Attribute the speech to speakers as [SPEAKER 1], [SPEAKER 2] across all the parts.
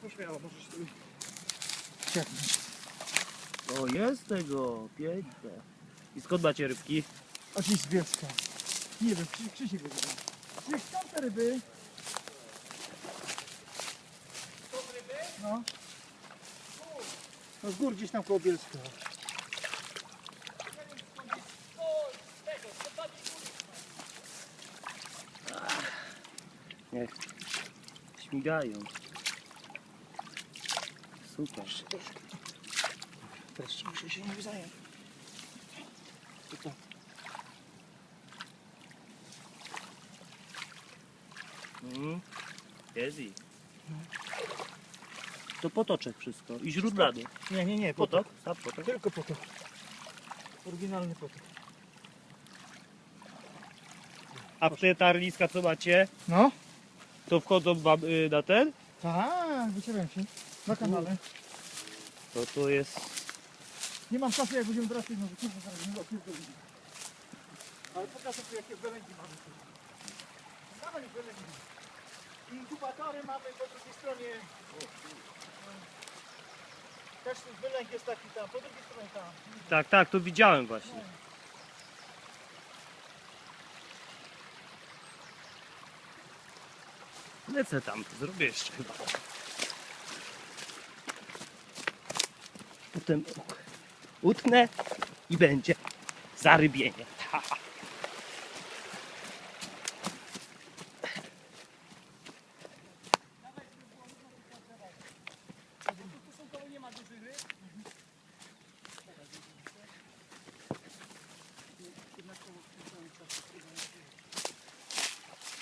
[SPEAKER 1] Pośmiało, możesz sobie ciągnąć.
[SPEAKER 2] O, jest tego, piękne. I skąd macie rybki?
[SPEAKER 1] A dziś z Bielska. Nie wiem, Krzysiek wygląda. Krzysiek, skąd te ryby? Skąd ryby? No. No z gór gdzieś tam koło Bielska.
[SPEAKER 2] Niech śmigają. Super.
[SPEAKER 1] Teraz muszę się nie zająć.
[SPEAKER 2] Jest i. To potoczek wszystko. I źródlany.
[SPEAKER 1] Nie,
[SPEAKER 2] Potok? Sam potok.
[SPEAKER 1] Tylko potok. Oryginalny potok.
[SPEAKER 2] A w te tarliska co macie,
[SPEAKER 1] No?
[SPEAKER 2] to wchodzą wam na ten?
[SPEAKER 1] Tak, wycieram się. Na kanale.
[SPEAKER 2] To jest...
[SPEAKER 1] Nie mam czasu, jak będziemy wracać, no wyciągnę zaraz, nie opierdolimy. Ale pokażę tu, jakie belęgi mamy tu. Dawaj belęgi. Inkubatory mamy po drugiej stronie. Też ten belęg jest taki tam, po drugiej stronie tam.
[SPEAKER 2] Tak, to widziałem właśnie. Lecę tam, to zrobię jeszcze chyba. Potem utknę i będzie zarybienie. Ha.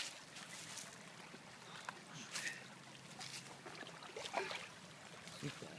[SPEAKER 2] Super.